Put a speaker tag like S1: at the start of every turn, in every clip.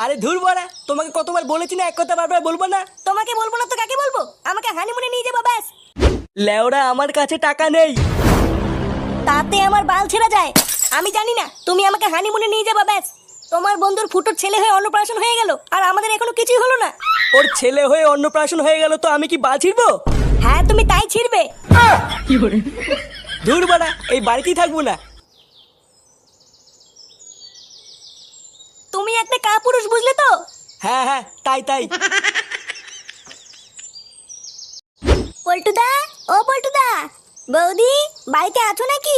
S1: আরে ধুর বাড়া, তোমাকে কতবার বলেছি না এক কথা বারবার বলবো না।
S2: তোমাকে বলবো না তো কাকে বলবো? আমাকে হানিমুনে নিয়ে যাবো ব্যাস।
S1: লেওড়া আমার কাছে টাকা নেই।
S2: তাতে আমার বাল ছেড়া যায়। আমি জানি না, তুমি আমাকে হানিমুনে নিয়ে যাবো ব্যাস। তোমার বন্ধুর ফুটোর ছেলে হয়ে অন্নপ্রাশন হয়ে গেল, আর আমাদের এখনো কিছুই হলো না।
S1: ওর ছেলে হয়ে অন্নপ্রাশন হয়ে গেল তো আমি কি বাল ছিড়বো?
S2: হ্যাঁ তুমি তাই ছিড়বে।
S1: ধুর বাড়া, এই বাড়িতেই থাকবো না।
S2: তুমি একটা কাপুরুষ, বুঝলে তো?
S1: হ্যাঁ হ্যাঁ, তাই তাই।
S2: পল্টুদা, ও পল্টুদা, বৌদি বাড়িতে আছো নাকি?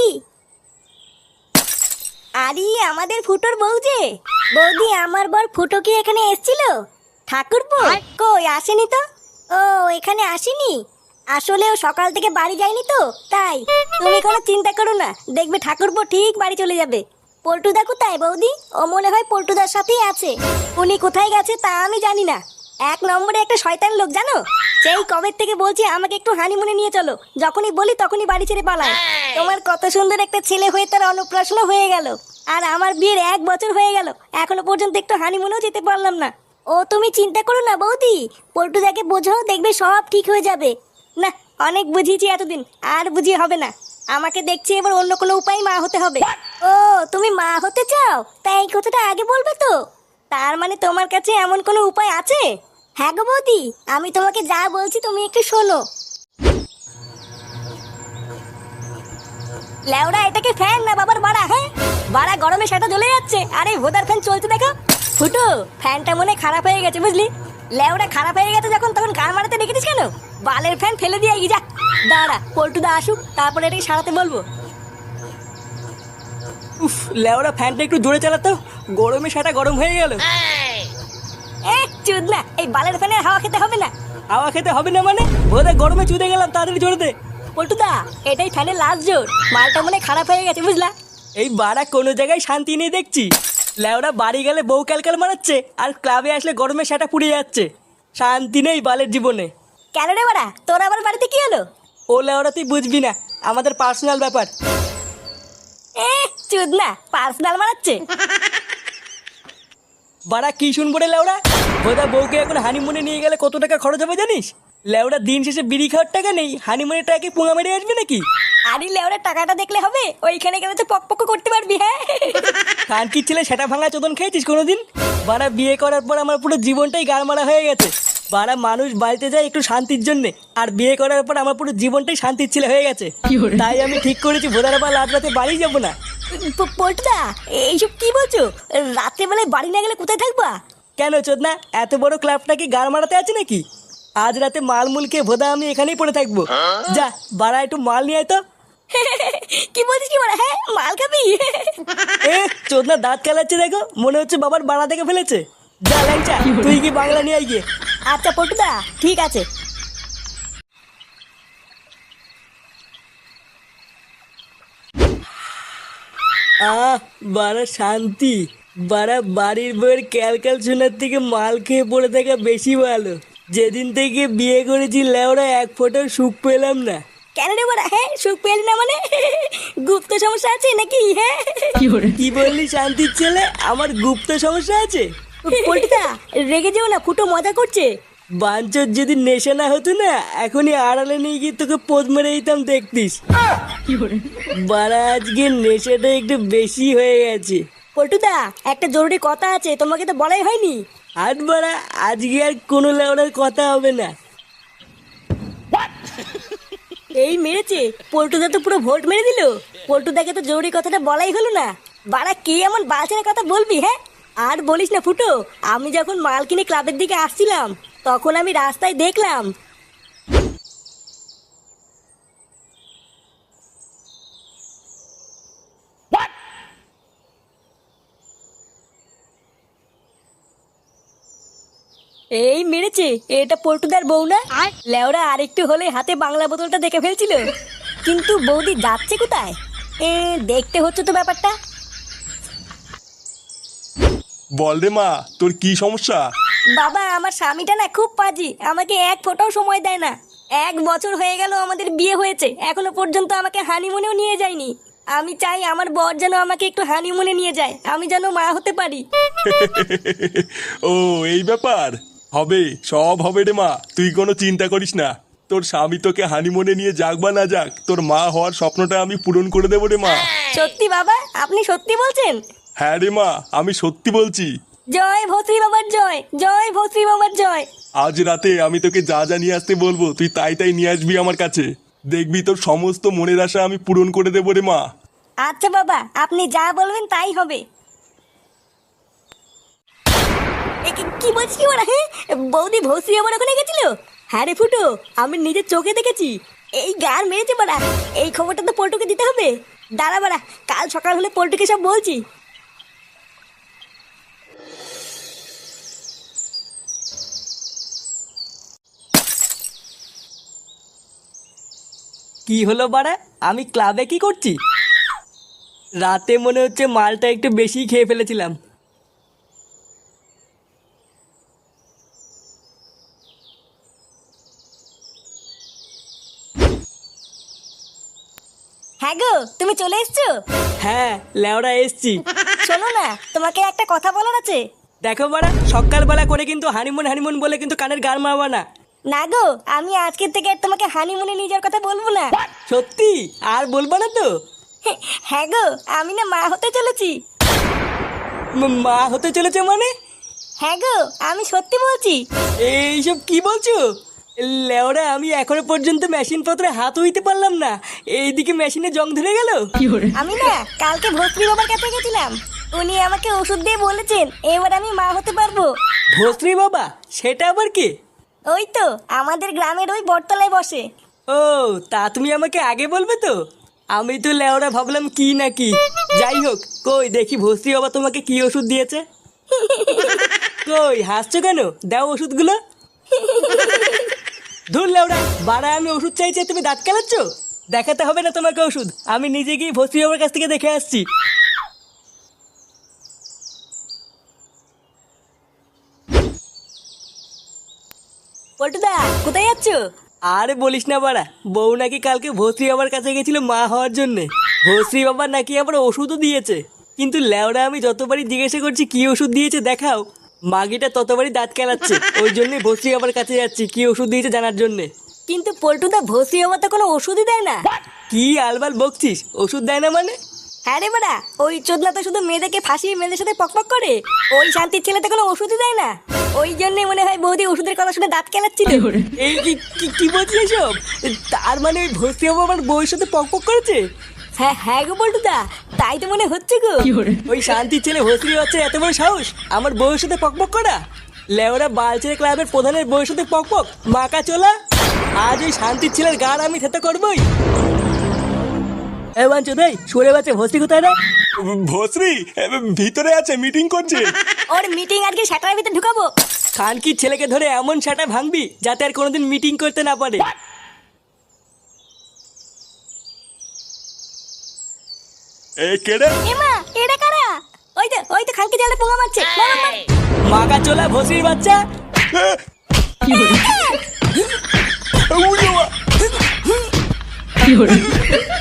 S2: আরে আমাদের ফুটোর বউ যে। বৌদি, আমার বর ফুটো কি এখানে এসেছিল? ঠাকুরপো কই আসেনি তো। ও এখানে আসেনি? আসলে ও সকাল থেকে বাড়ি যায়নি তো তাই। তুমি কোনো চিন্তা করো না, দেখবে ঠাকুরপো ঠিক বাড়ি চলে যাবে। পল্টুদা কোথায় বৌদি? ও মনে হয় পল্টুদার সাথেই আছে। উনি কোথায় গেছে তা আমি জানি না। এক নম্বরে একটা শয়তান লোক জানো। সেই কবে থেকে বলছি আমাকে একটু হানিমুনে নিয়ে চলো, যখনই বলি তখনই বাড়ি ছেড়ে পালায়। তোমার কত সুন্দর একটা ছেলে হয়ে তার অন্নপ্রাশন হয়ে গেল, আর আমার বিয়ের 1 বছর হয়ে গেল, এখনো পর্যন্ত একটু হানিমুনেও যেতে পারলাম না। ও তুমি চিন্তা করো না বৌদি, পল্টুদাকে বোঝাও, দেখবে সব ঠিক হয়ে যাবে। না, অনেক বুঝিয়েছি এতদিন, আর বুঝিয়ে হবে না। আমাকে দেখছি এবার অন্য কোনো উপায় মা হতে হবে। ও তুমি মা হতে চাও? তাই এই কথাটা আগে বলবে তো। তার মানে তোমার কাছে এমন কোনো উপায় আছে? হ্যাঁ গো বৌদি, আমি তোমাকে যা বলছি তুমি একটু শোনো। লেওড়া, এটাকে ফ্যান না বাবার বাড়া? হ্যাঁ বাড়া, গরমে সেটা জ্বলে যাচ্ছে, আরে ভোদার ফ্যান চলছে দেখো। ফুটো, ফ্যানটা মনে খারাপ হয়ে গেছে বুঝলি। লেওড়া, খারাপ হয়ে গেছে যখন তখন গান মারাতে রেখেছিস কেন? বালের ফ্যান ফেলে দিয়ে যা। দাঁড়া পল্টুদা আসুক, তারপরে এটাকে সারাতে বলবো।
S1: উফ, লেওড়া ফ্যানটা একটু জোরে চালাতো, গরমে সেটা গরম হয়ে গেল।
S2: চুদ না, এই বালের ফ্যানের হাওয়া খেতে হবে না।
S1: হাওয়া খেতে হবে না মানে? বোধহয় গরমে চুদে গেলাম, তাড়াতাড়ি জোরে দে।
S2: পল্টুদা, এটাই ফ্যানের লাস্ট জোর, মালটা মনে খারাপ হয়ে গেছে বুঝলা।
S1: এই বাড়া কোনো জায়গায় শান্তি নেই দেখছি। লেওড়া বাড়ি গেলে বউ ক্যালকাল মারাচ্ছে, আর ক্লাবে আসলে গরমে সেটা পুড়ে যাচ্ছে। শান্তি নেই বালের জীবনে।
S2: কেন রে বাড়া, তোর আবার বাড়িতে কি হলো?
S1: ও লেওড়া তুই বুঝবি না, আমাদের পার্সোনাল ব্যাপার।
S2: চুদ না, পার্সোনাল মারাচ্ছে।
S1: বাড়া কি শুনবো রে লেওড়া? বোধহয় বউকে এখন হানিমুনে নিয়ে গেলে কত টাকা খরচ হবে জানিস? লেওড়া দিন শেষে বিড়ি খাওয়ার টাকা নেই, হানিমুনের টাকা কি পুঙা মেরে আসবে নাকি?
S2: আরে লেওরা, টাকাটা দেখলে হবে? ওইখানে গেলে তো পক পক করতে পারবি। হ্যাঁ
S1: কানকির ছেলে সেটা ভাঙা চোদন খেয়েছিস কোনোদিন? বাড়া বিয়ে করার পর আমার পুরো জীবনটাই গাড়মারা হয়ে গেছে। বাড়া মানুষ বাড়িতে যায় একটু শান্তির জন্য, আর বিয়ে করার পর আমার পুরো জীবনটাই শান্তির ছেলে হয়ে গেছে। তাই আমি ঠিক করেছি ভোদার আবার রাত রাতে বাড়ি যাবো না।
S2: পল্টুদা, এইসব কি বলছো? রাত্রেবেলায় বাড়ি না গেলে কোথায় থাকবা?
S1: কেন চোদনা, এত বড় ক্লাবটা কি গাড় মারাতে আছে নাকি? আজ রাতে মালমুল খেয়ে ভোদা আমি এখানেই পড়ে থাকবো। যা বাড়া একটু মাল নিয়ে আয় তো।
S2: কি বলছিস কি বলে? হ্যাঁ মাল খাবি?
S1: এ চোদনা দাঁত খেলাচ্ছে দেখো, মনে হচ্ছে বাবার বাড়া থেকে ফেলেছে। যা ল্যাংচা, তুই কি বাংলা নিয়ে আয় গিয়ে।
S2: আচ্ছা পল্টুদা, ঠিক আছে।
S1: বাড়া শান্তি। বাড়া বাড়ির বউয়ের ক্যালকাল শোনার থেকে মাল খেয়ে পড়ে থাকা বেশি ভালো। যেদিন থেকে বিয়ে করেছি লেওরা এক ফোঁটার সুখ পেলাম না।
S2: কেন রে বড়া? হ্যাঁ সুখ পেলি না মানে? গুপ্ত সমস্যা আছে নাকি? হ্যাঁ
S1: কি বললি শান্তির ছেলে, আমার গুপ্ত সমস্যা আছে?
S2: পল্টুদা রেগে যেও না, ফুটো মজা করছে।
S1: বাঞ্চর যদি নেশা না হতো না, এখনই আড়ালে নিয়ে গিয়ে তোকে পোদ মেরে দিতাম দেখতিস। বাড়া আজকে নেশাটা একটু বেশি হয়ে গেছে।
S2: পল্টুদা, একটা জরুরি কথা আছে, তোমাকে তো বলাই হয়নি।
S1: আর বাড়া আজকে আর কোনো লেওড়ার কথা হবে না।
S2: এই মেরেছে, পল্টুদা তো পুরো ভোল্ট মেরে দিল। পল্টুদাকে তো জরুরি কথাটা বলাই হলো না। বাড়া কি এমন বালছেনা কথা বলবি? হ্যাঁ আর বলিস না ফুটো, আমি যখন মাল কিনে ক্লাবের দিকে আসছিলাম, তখন আমি রাস্তায় দেখলাম এই মেরেছে, এটা পল্টুদার বউ না? লেওরা আরেকটু হলে হাতে বাংলা বোতলটা দেখে ফেলছিল। কিন্তু বৌদি যাচ্ছে কোথায়? দেখতে হচ্ছে তো ব্যাপারটা।
S3: বল রে মা, তোর কি সমস্যা?
S2: বাবা, আমার স্বামীটা না খুব পাজি, আমাকে এক ফোঁটাও সময় দেয় না। 1 বছর হয়ে গেল আমাদের বিয়ে হয়েছে, এখনো পর্যন্ত আমাকে হানিমুনেও নিয়ে যায়নি। আমি চাই আমার বর যেন আমাকে একটু হানিমুনে নিয়ে যায়, আমি যেন মা হতে পারি।
S3: ও এই ব্যাপার। হবে, সব হবে রে মা, তুই কোনো চিন্তা করিস না। তোর স্বামী তোকে হানিমুনে নিয়ে যাক বা না যাক, তোর মা হওয়ার স্বপ্নটা আমি পূরণ করে দেবো রে মা।
S2: সত্যি বাবা? আপনি সত্যি বলছেন?
S3: হ্যাঁ রে মা, আমি সত্যি বলছি।
S2: জয় ভস্রী বাবার জয়, জয় ভস্রী বাবার জয়।
S3: আজ রাতে আমি তোকে যা যা নিয়ে আসতে বলবো তুই তাই তাই নিয়ে আসবি আমার কাছে। দেখবি তোর সমস্ত মনের আশা আমি পূরণ করে দেবো রে মা।
S2: আচ্ছা বাবা, আপনি যা বলবেন তাই হবে। কি বলছিস কি বলা? হ্যাঁ, বৌদি ভস্রী আমার ওখানে গেছিল? হ্যাঁ রে ফুটো, আমি নিজের চোখে দেখেছি। এই গান মেরেছে বাড়া, এই খবরটা তো পল্টুকে দিতে হবে। দাঁড়া বাড়া, কাল সকাল হলে পল্টুকে সব বলছি।
S1: কি হলো বাড়া? আমি ক্লাবে কি করছি? রাতে মনে হচ্ছে মালটা একটু বেশি খেয়ে ফেলেছিলাম।
S2: হ্যাঁ গো, তুমি চলে এসছো?
S1: হ্যাঁ লেওড়া এসছি।
S2: শোনো না, তোমাকে একটা কথা বলার আছে।
S1: দেখো বাড়া, সকালবেলা করে কিন্তু হানিমুন হানিমুন বলে কিন্তু কানের গান মারবা না।
S2: না গো, আমি আজকের থেকে আর তোমাকে হানিমুনে নিয়ে যাওয়ার কথা বলবো না।
S1: সত্যি আর বলবা না তো?
S2: হ্যাঁ গো, আমি না মা হতে চলেছি।
S1: মা হতে চলেছে মানে?
S2: হ্যাঁ গো, আমি সত্যি বলছি।
S1: এইসব কি বলছো? লেওরা, আমি এখনো পর্যন্ত মেশিন পত্রে হাত হইতে পারলাম না, এইদিকে মেশিনে জং ধরে গেল।
S2: আমি না কালকে ভস্রী বাবার কাছে গেছিলাম, উনি আমাকে ওষুধ দিয়ে বলেছেন এবার আমি মা হতে পারবো।
S1: ভস্রী বাবা? সেটা আবার কি?
S2: ওই তো আমাদের গ্রামের ওই বটতলায় বসে।
S1: ও, তা তুমি আমাকে আগে বলবে তো। আমি তো লেওরা ভাবলাম কি না কি। যাই হোক, কই দেখি ভস্রী বাবা তোমাকে কি ওষুধ দিয়েছে। কই হাসছো কেন? দাও ওষুধগুলো। ধুর লেওরা, বাড়া আমি ওষুধ চাইছি তুমি দাঁত কেলাচ্ছ? দেখাতে হবে না তোমাকে ওষুধ, আমি নিজে গিয়ে ভস্রী বাবার কাছ থেকে দেখে আসছি।
S2: পল্টুদা, কোথায় যাচ্ছ?
S1: আরে বলিস না বাড়া, বউ নাকি কালকে ভস্রী বাবার কাছে গেছিল মা হওয়ার জন্যে। ভস্রী বাবার নাকি আবার ওষুধও দিয়েছে। কিন্তু লেওরা আমি যতবারই জিজ্ঞাসা করছি কি ওষুধ দিয়েছে দেখাও, মাগিটা ততবারই দাঁত কেলাচ্ছে। ওই জন্যই ভস্রী বাবার কাছে যাচ্ছি কি ওষুধ দিয়েছে জানার জন্যে।
S2: কিন্তু পল্টুদা, ভস্রী বাবা তো কোনো ওষুধই দেয় না।
S1: কি আলবাল বকছিস? ওষুধ দেয় না মানে?
S2: হ্যাঁ রে বাড়া, ওই চোদনা তো শুধু মেয়েদেরকে ফাঁসিয়ে মেয়েদের সাথে পকপক করে। ওই শান্তির ছেলে তো কোনো ওষুধই দেয় না। ওই জন্যই মনে হয় বৌদি ওষুধের কথা শুনে দাঁত কেলাচ্ছিল।
S1: এই কি বলছিস এসব? তার মানে ওই ভস্রী বাবা আমার বউয়ের সাথে পকপক করেছে?
S2: হ্যাঁ হ্যাঁ গো পল্টুদা, তাই তো মনে হচ্ছে গো।
S1: ওই শান্তির ছেলে ভস্রী হচ্ছে এত বড় সাহস আমার বউয়ের সাথে পকপক করা? লেওরা বালছেড়ে ক্লাবের প্রধানের বউয়ের সাথে পকপক, মাকা চোলা। আজ ওই শান্তির ছেলের গাড় আমি থেতে করবই। এ বাঞ্চো দেই, সরে বাচ্চা ভস্রী কোথায় রে?
S3: ভস্রী ভিতরে আছে, মিটিং করছে।
S2: ওর মিটিং আজকে সেটার ভিতরে ঢুকাবো।
S1: খানকির ছেলেকে ধরে এমন সেটা ভাঙবি যাতে আর কোনোদিন মিটিং করতে না পারে।
S3: এ কেড়ে
S2: এমা, এটা কারা? ওই তো খানকি জালে পোঙা মারছে। মার, মার, মার।
S1: মাকা চোলা ভস্রীর বাচ্চা।
S3: উড়ে বাবা।